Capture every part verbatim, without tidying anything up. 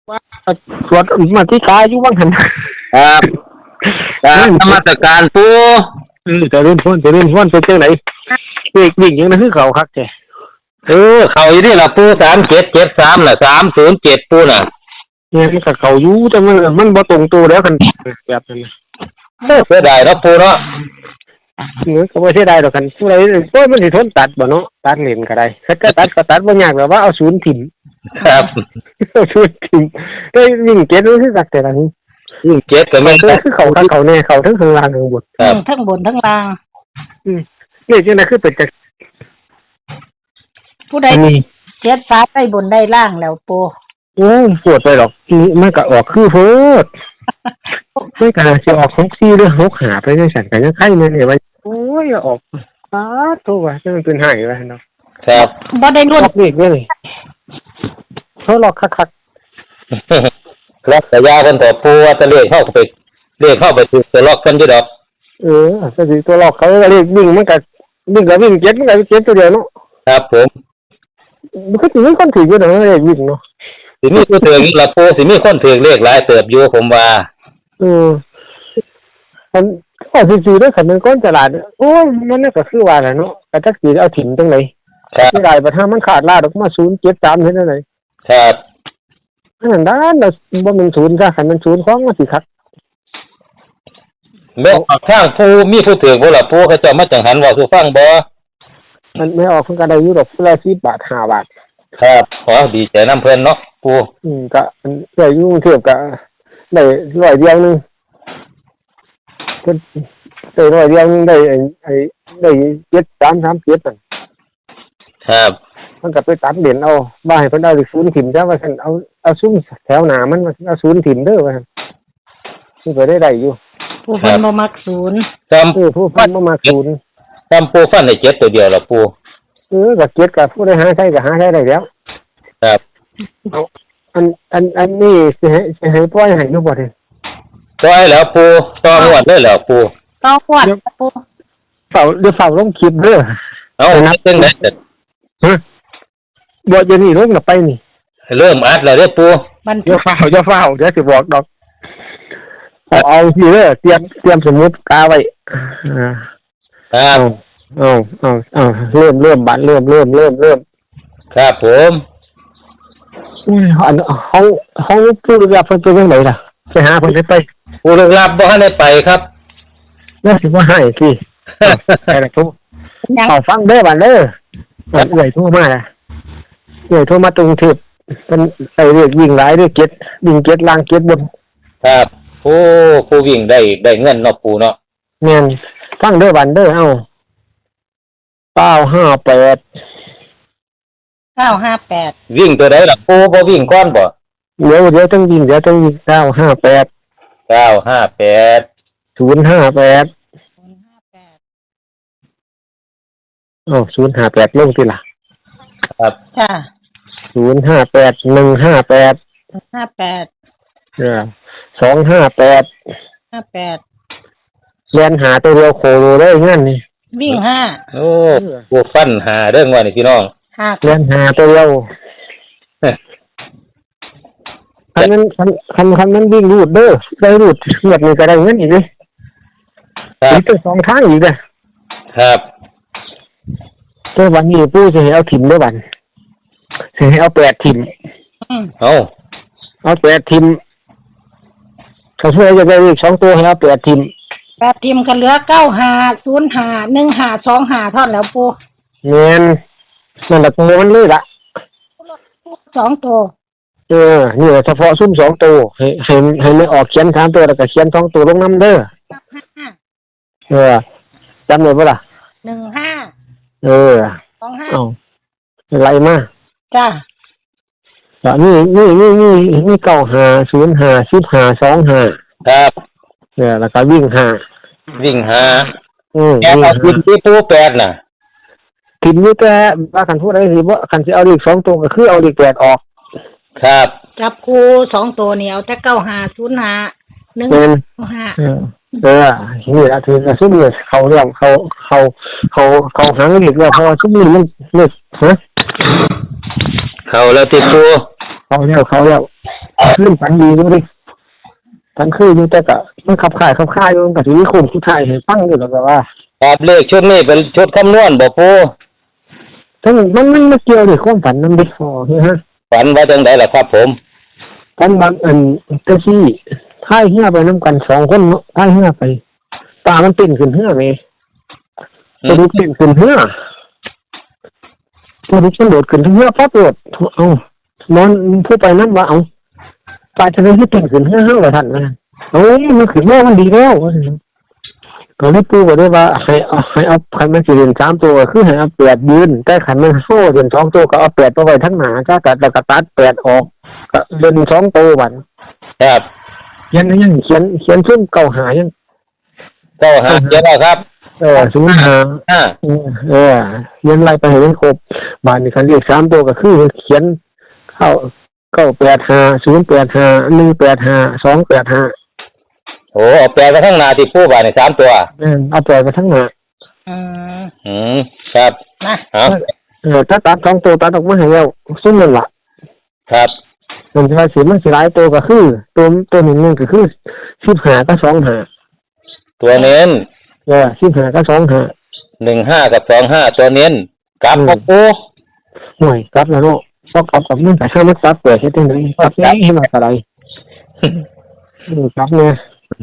ว่าสวดมาที่กายอยู่บ้างหันครับการนมัสการปูเออจะเล่นพ้นจะเล่นพ้นเป็นจังไหนเด็กวิ่งยังนั่นคือเขาคักแกเออเขาอยู่นี่ล่ะปูสามเจ็ดเจ็ดสามน่ะสามศูนย์เจ็ดปูน่ะเนี่ยมันกับเขาอยู่แต่มันมันบ่ตรงตัวแล้วกันแบบนั้นเสียดายเนาะปูเนาะเนื้อก็ไม่ใช่ได้ดอกกันผู้ใดโอ้ยมันสิทนตัดบ่เนาะตัดเลนก็ได้ถ้าก็ตัดก็ตัดบ่ยากแบบว่าเอาศูนย์ถิ่มครับเอาศูนย์ถิ่มได้วิ่งเก็ตรู้สึกสักแต่ละนี้วิ่งเก็ตก็ไม่คือคือเขาทั้งเขาแน่เขาทั้งข้างล่างทั้งบนทั้งบนทั้งล่างอืมนี่จังได๋คือเป็นจังผู้ใดเจ็ดฟ้าได้บนได้ล่างแล้วปูโอ้ปวดไปหรอกมันก็ออกคือโพดไม่กล้าสิออกหกสี่หรือหกห้าไปจังซั่นก็ยังไข่แม่นี่ว่าโอ้ยออกอ้าโตว่าจังเป็นหายว่าเนาะครับบ่ได้รุ่นเด็กเว้ยเขาหลอกคักๆล็อกแต่ยาเพิ่นต่อปูว่าจะเลขเข้าไปเลขเข้าไปถูกตัวล็อกกันอยู่ดอกเออก็สิตัวล็อกเขาก็เลขวิ่งมันก็วิ่งก็วิ่งเจ็ดมันก็เจ็ดตัวเดียวเนาะครับผมมันก็สิมีคนถืออยู่เนาะเลขวิ่งเนาะสิมีผู้ถืออีกล่ะปูสิมีคนถือเลขหลายเติบอยู่ผมว่าเออมันก็สิๆเด้อคันมันก้นตลาดโอ้ยมันก็คือว่าแหละเนาะก็จักสิเอาถิ่มจังได๋สิได้บ่ถ้ามันขาดลาดออกมาศูนย์เจ็ดสามเฮ็ดจังได๋ครับนั่นด้านน่ะบ่แม่นศูนย์ซะคันมันศูนย์ของมันสิคักแม่ออกทางผู้มีผู้ถือบ่ล่ะปูเขาเจ้ามาจังหันเว้าสู่ฟังบ่มันไม่ออกเพิ่นก็ได้อยู่ดอกผู้ละสิบบาทห้าบาทครับขอดีใจนำเพิ่นเนาะปูอืมก็ได้อยู่กรุงเทพก็ได้ร้อยเดียวนึงเพิ่นได้ร้อยเดียวนึงได้ไอ้ไอ้ได้เจ็ดสามสามเจ็ดนั่นครับมันก็ไปตัดเหรียญเอาบ่ให้เพิ่นเอาศูนย์ถิ่มซะว่าซั่นเอาเอาซุ้มแถวหน้ามันเอาศูนย์ถิ่มเด้อว่าซั่นสิก็ได้ได้อยู่ผู้เพิ่นบ่มักศูนย์จำผู้ผู้เพิ่นบ่มักศูนย์จำปูฟันได้เจ็ดตัวเดียวล่ะปูเออก็เจ็ดก็ผู้ใดหาใช้ก็หาใช้ได้แล้วครับอันอันอันนี้สิให้สิให้ปล่อยให้อยู่บ่เด้ปล่อยแล้วปูต่อหวดเลยแล้วปูต่อหวดปูเฝ้าเดี๋ยวเฝ้าลงคลิปเด้อเอานับจังได๋ฮะบ่จะนี่ลงน่ะไปนี่เริ่มอัดแล้วเด้อปูมันเดี๋ยวเฝ้าเดี๋ยวเฝ้าเดี๋ยวสิบอกดอกเอาเอาสิเด้อเตรียมเตรียมสมุดกาไว้อ่าครับเอาเอาเอาเริ่มเริ่มบัดเริ่มเริ่มเริ่มเริ่มครับผมอุ้ยอันเฮาเฮาผู้รับเพิ่นเป็นจังได๋ล่ะไปหาเพิ่นได้ไปผู้รับบ่ทันได้ไปครับแล้วสิว่าให้สิไปล่ะทุเอาฟังเด้อบัดเด้อบัดเอื้อยโทรมาล่ะเอื้อยโทรมาตรงทึบเพิ่นไปเรียกวิ่งหลายเด้อเก็ดวิ่งเก็ดล่างเก็ดบนครับโอ้ผู้วิ่งได้ได้เงินเนาะปูเนาะแม่นฟังเด้อบัดเด้อเอ้าเก้าห้าแปดเก้าห้าแปดวิ่งตัวใดล่ะปูบ่วิ่งก่อนบ่เดี๋ยวเดี๋ยวต้องวิ่งเดี๋ยวต้องวิ่งเก้าห้าแปดเก้าห้าแปดศูนย์ห้าแปด ศูนย์ห้าแปดอ้าวศูนย์ห้าแปดลงสิล่ะครับจ้ะศูนย์ห้าแปด หนึ่งห้าแปดห้าแปดเออสองห้าแปดห้าแปดเรียนหาตัวเดียวโคโลได้งั้นนี่วิ่งห้าโอ้ปูฟันหาเรื่องว่านี่พี่น้องเรียนหาตัวเดียวคันนั้นคันคันคันนั้นวิ่งรูดเด้อได้รูดเงียบนี่ก็ได้เงินอีกเลยมีตั้งสองทางอีกเลยครับแต่วันนี้ปู่จะให้เอาถิ่มด้วยวันจะให้เอาแปดถิ่มเอาเอาแปดถิ่มเขาช่วยจะได้อีกสองตัวให้เอาแปดถิ่มแปดถิ่มกันเหลือเก้าห้าศูนย์ห้าหนึ่งห้าสองห้าท่อนแล้วปู่เงินนั่นแหละตัวมันเลยละสองตัวเออนี่เฉพาะซุ้มสองตัวให้ให้ให้ไม่ออกเขียนสามตัวแล้วก็เขียนสองตัวลงน้ำเด้อเออจำได้ปะล่ะหนึ่งห้าเออสองห้าเอาอะไรมาจ้านี่นี่นี่นี่นี่เก้าห้าศูนย์ห้าสิบห้าสองห้าครับเนี่ยแล้วก็วิ่งห้าวิ่งห้าอืมแกเอาวิ่งที่ปูแปดน่ะถิ่นนี่แต่ว่าคันพูดอะไรสิว่าคันจะเอาเลขสองตัวก็คือเอาเลขแปดออกครับจับคู่สองตัวเหนียวแต่เก้าห้าศูนย์ห้าหนึ่งห้าเออนี่ละถือซุ่มเนี่ยเขาเรื่องเขาเขาเขาเขาหางเลขว่าพอซุ่มนี่มันเลขฮะเขาแล้วติดปูเขาแล้วเขาแล้วขึ้นฝันดีอยู่ดิฝันคืออยู่แต่ก็มันขับข่ายขับข่ายอยู่กับที่นี่คุมผู้ชายให้ฟังอยู่แล้วก็ว่าครับเลขชุดนี้เป็นชุดคำนวณบ่ปูทั้งมันมันมาเกี่ยวด้วยความฝันนั่นดิพอเฮ้ยฮะฝันว่าจังไดล่ะครับผมฝันบางอันเจ้าที่พายเหือไปน้ำกันสองคนพายเหือไปตามันเป็นขึ้นเหือไหมตัวนี้เป็นขึ้นเหือตัวนี้มันโดดขึ้นเหือพอโดดเอานอนผู้ไปนั่นว่าเอาปลาทะเลที่เป็นขึ้นเหือเหือเลยท่านนะโอ้ยมันขึ้นเหือมันดีแล้วตอนนี้ปูบอกได้ว่าให้เอาให้เอาขันมันสี่เหลี่ยมสามตัวคือให้เอาแปดยืนแต่ขันมันโซ่เหลี่ยมสองตัวก็เอาแปดไปไว้ทั้งหนาก็ตัดแล้วก็ตัดแปดออกก็เดินสองตัววันครับเขียนยังเขียนเขียนซึ่งเก่าหายังเก้าห้าเยอะแล้วครับเออศูนย์หาห้าเออเขียนอะไรไปให้มันครบบานนี้คันเรียกสามตัวก็คือเขียนเข้าเก้าแปดห้าศูนย์แปดห้าหนึ่งแปดห้าสองแปดห้าโอ้เอาแปลไปทั้งหนาที่ปูบาทนี่สามตัวเออเอาแปดไปทั้งหน้าอืมอืมครับนะเอาเออถ้าตัดสองตัวตัดออกมาให้แล้วซุ้มนั่นล่ะครับมันจะสีมันสีหลายตัวก็คือตัวตัวหนึ่งนึงก็คือสิบห้าก็สองห้าตัวเน้นเออสิบห้าก็สองห้าหนึ่งห้ากับสองห้าตัวเน้นกลับครับปูหน่วยกลับแล้วเนาะพอกลับกับมันแต่ถ้ามันกลับเปิดให้ได้เลยกลับได้ให้มาอะไรอือกลับเนี่ย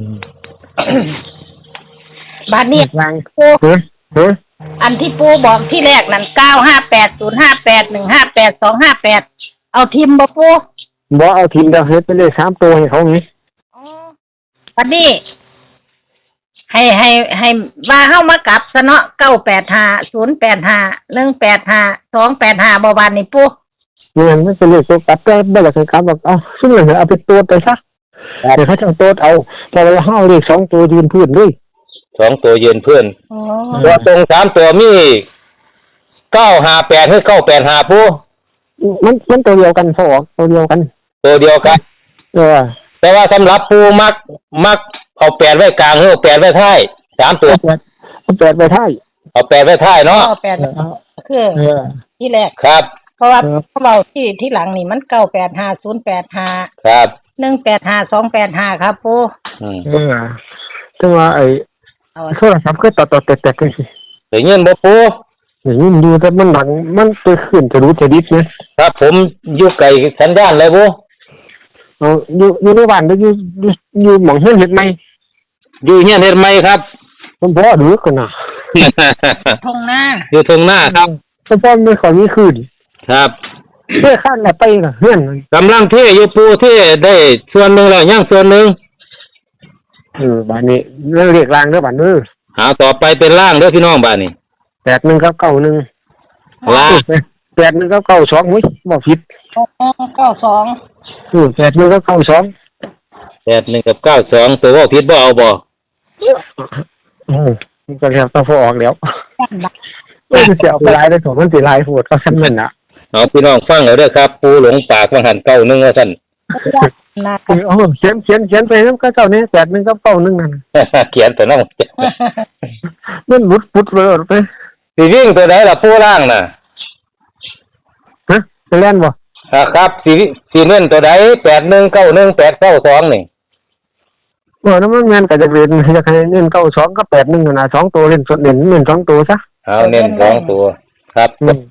บาทนี้ยังปูฮะฮะอันที่ปูบอกที่แรกนั่นเก้าห้าแปดศูนย์ห้าแปดหนึ่งห้าแปดสองห้าแปดเอาทิมบ่ปูบอกเอาทีมเดียวเฮ็ดไปเลยสามตัวให้เขาไงอ๋อวันนี้ ให้ให้ให้ว่าเฮ้ามากลับซะเนาะเก้าแปดห้าศูนย์แปดห้าหนึ่งแปดห้าสองแปดห้าบ่บานนี่ปูเงินไม่เป็นเลยตัวกลับได้ได้หลักการบอกเอาซึ่งเหลือเอาไปตัวไปซะเดี๋ยวเขาจะตัวเอาพอเราห้าเลขสองตัวยืนพื้นด้วยสองตัวยืนเพื่อนอ๋อตัวตรงสามตัวมีเก้าห้าแปดให้เก้าแปดห้าปูมันมันตัวเดียวกันพอออกตัวเดียวกันตัวเดียวกันเออแต่ว่าสำหรับปูมักมักเอาแปดไว้กลางหรือเอาแปดไว้ท้ายสามตัวเอาแปดเอาแปดไปท้ายเอาแปดไว้ท้ายเนาะเก้าแปดคือเออที่แรกครับเพราะว่าครับพวกเราที่ที่หลังนี่มันเก้าแปดห้าศูนย์แปดห้าครับหนึ่งแปดห้าสองแปดห้าครับปูอืมเออแต่ว่าไอ้เอาโทรศัพท์ก็ต่อต่อแตกๆกันสิได้ยินบ่ปูอย่างนี้ดูแต่มันหลังมันไปขึ้นจะรู้จะดิบนะครับผมอยู่ไกลสัญญาณเลยปูเอาอยู่อยู่ในบ้านแล้วอยู่อยู่อยู่หมองเฮือนเห็ดไหมอยู่เฮียนเฮ็ดไหมครับผมพ่อดูกันนะทงหน้าอยู่ตรงหน้าครับผมพ่อไม่ขอมีคืนครับเพื่อข้านละไปละเฮือนกำลังเทอยู่ปูเทได้ส่วนหนึ่งแล้วยังส่วนหนึ่งเออบ้านนี้เรื่องเรียกรางเด้อบ้านเด้อหาต่อไปเป็นล่างเด้อพี่น้องบ้านนี้แปดหนึ่งกับเก้าหนึ่งล่างแปดหนึ่งกับเก้าสองมุ้ยบอกผิดเก้าสองเออแปดหนึ่งกับเก้าสองแปดหนึ่งกับเก้าสองตัวว่าผิดบ่เอาบ่อืมมันก็แล้วต้องพอออกแล้วด้านหลังไม่จะเอาไปไล่ได้สองมันตีไล่โหดเขาชั้นเงินอ่ะเอาพี่น้องฟังเอาเด้อครับ ปูหลงปากว่าหันเก้าหนึงว่าซั่นนะเออเอาเขียนเขียนเขียนไปน้ำก็เจ้านี้แปดหนึ่งกับเก้าหนึ่งนั่นเขียนแต่น้องมันหลุดพุดเลยไปสิวิ่งตัวใดล่ะปูล่างน่ะฮะจะเล่นบ่อ่าครับสิสิเน้นตัวใดแปดหนึ่งเก้าหนึ่งแปดเก้าสองนี่เออน้ำมันงานก็จะเรียนจะให้เน้นเก้าสองกับแปดหนึ่งนะสองตัวเล่นสดเด่นเน้นสองตัวซะเอาเน้นสองตัวครับอืม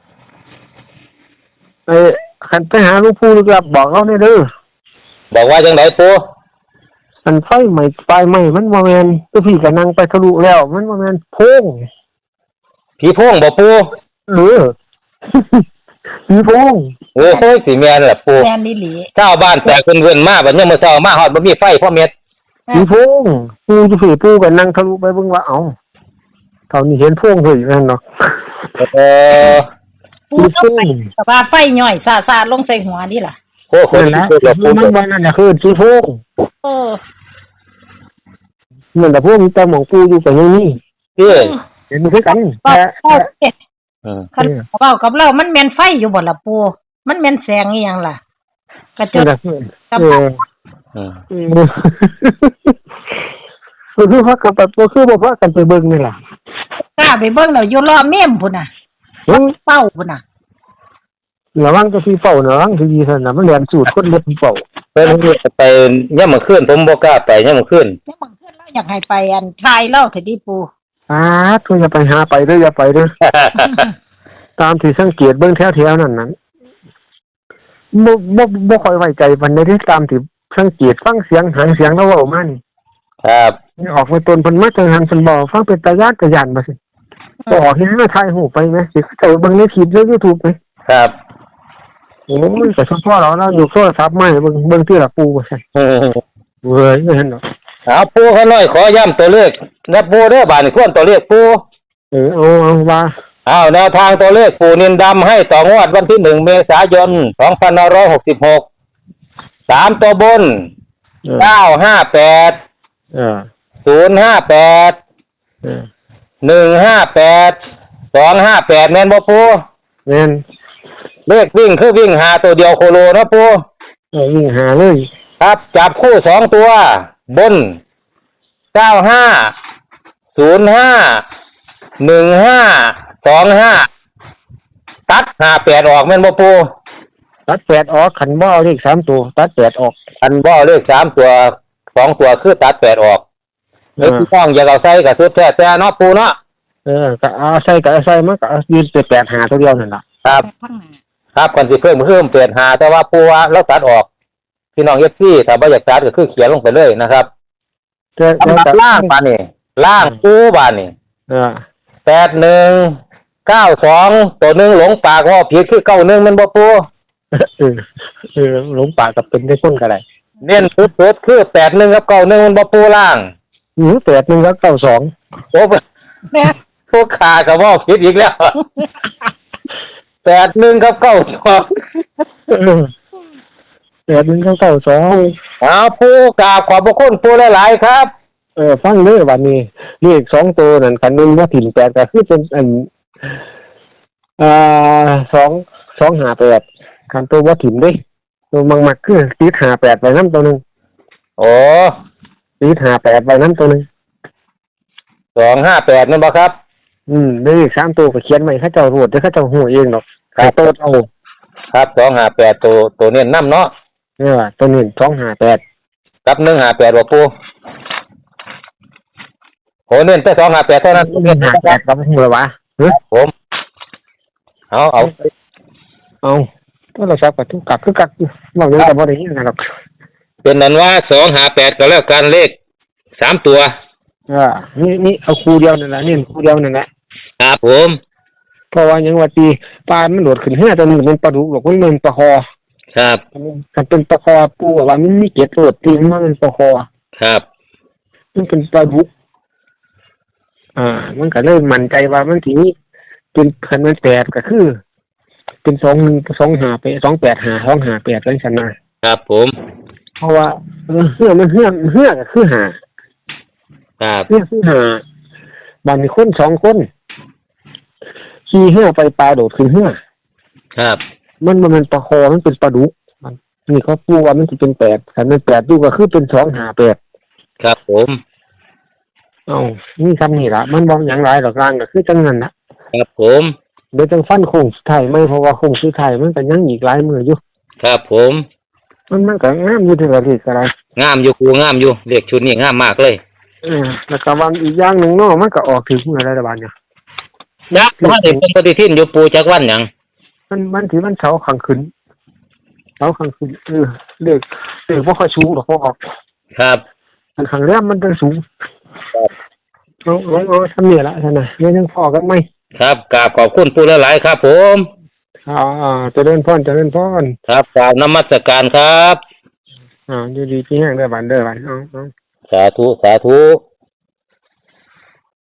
ไอ้ขันไปหาลูกผู้ลูกหลับบอกเขาเนี่ยเด้อบอกว่าจังไดปูมันไฟใหม่ไฟใหม่มันว่าแมนตัวพี่ก็นั่งไปทะลุแล้ว มันว่าแมนโพงผีโพงบ่ปูเออ ผีโพงโอ้ยสิแม่นล่ะปูแมนดิหลีชาวบ้านแตกเพิ่นๆมาบัดนี้มื้อเช้ามาฮอดบ่มีไฟพ่อเม็ดผีโพงปูจะผีปูก็นั่งทะลุไปเบิ่งว่าเอ้าเท่านี้เห็นโพงเถอะนั่นเนาะเออปูต้องไปแต่ว่าไฟย่อยซาซาลงใส่หัวนี่ล่ะโอ้โหนั่นนะมันว่านั่นน่ะคือผีโพงเออเหมือนแต่พวกมีแต่หมองปูอยู่กับอย่างนี้เอ้ยเห็นมันคือกันก็แต่ก็เอ๊ะอืมคันเว้ากับเรามันแม่นไฟอยู่บ่ล่ะปูมันแม่นแสงอีหยังล่ะกระจนั่กนน่ะคือกับเอออืมเออคือพักกันไปคือบ่พักกันไปเบิ่งนี่ล่ะกล้าไปเบิ่งแล้วอยู่รอบเมมพุ่นน่ะเฮ้ยเป้าพุ่นน่ะระวังจะพี่เฝ้าระวังที่ดีซั่นน่ะมันเรียนสูตรคนเล็บเฝ้าเพิ่นไปย่ำมื้อคืนผมบ่กล้าไปย่ำมื้อคืนแล้วบางเทื่อเราอยากให้ไปอันทายเล่าเถิดดิปูอ่าตัวอย่าไปหาไปเด้ออย่าไปเด้อ ตามที่สังเกตเบิ่งแถวๆนั้นนั้นบ่บ่บ่ค่อยไว้ใจปานใดเด้ตามที่สังเกตฟังเสียงหางเสียงแล้วเว้ามานี่ครับออกมาตนเพิ่นมาจังหันเพิ่นบอกฟังเป็นตาญาติตาย่านบ่สิบ่ออกเฮ็ดให้ถ่ายรูปไปไหมสิเข้าใจเบิ่งในคลิปใน YouTube ไหมครับโอ้ยก็เฉพาะเราเราอยู่โทรศัพท์ใหม่เบิ่งเบิ่งที่ละปูว่าซั่นอืมเว้ยบ่เห็นดอกเอาปูเขาน้อยขอย้ำตัวเลขนะปูเด้อบาดนี้ควรตัวเลขปูเออเอาเอาว่าเอาแนวทางตัวเลขปูนินดำให้ต่องวดวันที่หนึ่งเมษายนสองพันห้าร้อยหกสิบหกสามตัวบนเออเก้าห้าแปดเออศูนย์ห้าแปดเออหนึ่งห้าแปดสองห้าแปดแม่นบ่ปูแม่นเลขวิ่งคือวิ่งหาตัวเดียวโคโลนะปูเออวิ่งหาเลยครับจับคู่สองตัวบนเก้าห้าศูนย์ห้าหนึ่งห้าสองห้าตัดห้าแปดออกแม่นบ่ปูตัดแปดออกขันบ่เอาเลขสามตัวตัดแปดออกอันบ่เลขสามตัวสองตัวคือตัดแปดออกหรือที่ต้องอยากเอาใส่กับสุดแท้แต่เนาะปูเนาะเออก็เอาใส่ก็เอาใส่มันก็เอายืนเป็นแปดหาตัวเดียวนั่นล่ะครับข้างหน้าครับกันสิเพิ่มเพิ่มเปลี่ยนหาแต่ว่าปูว่าแล้วตัดออกพี่น้องเอฟซีถ้าบ่อยากตัดก็คือเขียนลงไปเลยนะครับแต่อันแต่ดับล่างบานนี่ล่างปูบานนี่เออแปดหนึ่งเก้าสองตัวหนึ่งหลงปากว่าผิดคือเก้าหนึ่งมันบ่ปูเออเออหลงป่ากับเป็นได้คนก็ได้เน้นสุดๆคือแปดหนึ่งกับเก้าหนึ่งมันบ่ปูล่างหือแปดหนึ่งแล้วเก้าสองโอ้แม่พวกขากับว่าผิดอีกแล้วแปดหนึ่งกับเก้าสองเออแปดหนึ่งแล้วเก้าสองเอาปูกราบขอบพระคุณปูหลายๆครับเออฟังเด้อวันนี้เลขสองตัวนั่นคันหนึงว่าถิ่นแปดก็คือเป็นอันอ่าสองสองหาแปดคันตัวว่าถิ่นเด้ตัวมังมักคือติดหาแปดไปน้ำตัวหนึงโอ้ติดหาแปดไปน้ำตัวหนึงสองห้าแปดนั่นบ่ครับอืมเลขสามตัวก็เขียนไว้เขาเจ้ารูดเดี๋ยวเขาเจ้าหูเองดอกครับตัวเอาครับสองห้าแปดตัวตัวเน้นน้ำเนาะเออตัวนี้สองหาแปดกับหนึ่งห้าแปดบ่ปูโหเน้นแต่สองห้าแปดเท่านั้นเงินหาแปดกับหัววะเฮ้ยผมเอาเอาเอาตัวเราซับกับทุกกักคือกักเราเรื่องแต่บ่ได้ยินกันหรอกเป็นนั้นว่าสองห้าแปดก็แล้วกันเลขสามตัวเออนี่นี่เอาคู่เดียวนั่นแหละนี่คู่เดียวนั่นแหละครับผมเพราะว่ายังว่าตีปลามันโดดขึ้นห้าตัวนึงมันปลาดุกหรอกมันเป็นปลาคอครับมันเป็นปลาคอปูว่ามันมีเกล็ดโดดตีมันเป็นปลาคอครับมันเป็นปลาดุกอ่ามันก็เลยมั่นใจว่ามันทีนี้เป็นคันมันแปดก็คือ เป็นสองหนึ่งสองหาไปสองแปดหาสองหาแปดอะไรสันนะครับผมเพราะว่าเออเฮือมันเฮือเฮือก็คือหาครับเฮือคือหาบางมีคนสองคนขี่เฮือไปปลาโดดขึ้นเฮือครับมันมันเป็นปลาคอมันเป็นปลาดุกมันนี่เขาปูว่ามันจะเป็นแปดแต่มันแปดดูก็คือเป็นสองหาแปดครับผมเอ้านี่คำนี่ละมันบอกอย่างไรหรอกลางก็คือจังนั้นนะครับผมเดี๋ยวจังฟันโค้งสุดท้ายไม่เพราะว่าโค้งสุดท้ายมันก็ยังอีกหลายมืออยู่ครับผมมันมันก็งามอยู่ที่ละทีอะไรงามอยู่ครูงามอยู่เลขชุดนี้งามมากเลยเออแล้วก็วันอีกอย่างหนึ่งเนาะมันก็ออกถึงเมื่อไรละบานเนี่ยนะว่าเด็กเป็นปฏิทินอยู่ปูจักวันหยังมันมันถือมันเสาขังขึ้นเสาขังขึ้นเออเลือกเลือกว่าค่อยสูงหรอกพอออกครับมันขังแรมมันจะสูงครับเอาเอาเอาทำเนี่ยละท่านน่ะเนี่ยยังพอกันไหมครับกราบขอบคุณปูหลายๆครับ ผมอ่าอ่าเจะเดินพ่อนเจะเดินพ่อนครับกราบนมัสการครับอ่าอยู่ดีที่แห้งเด้อบันเด้อบันเอาเอาสาธุสาธุ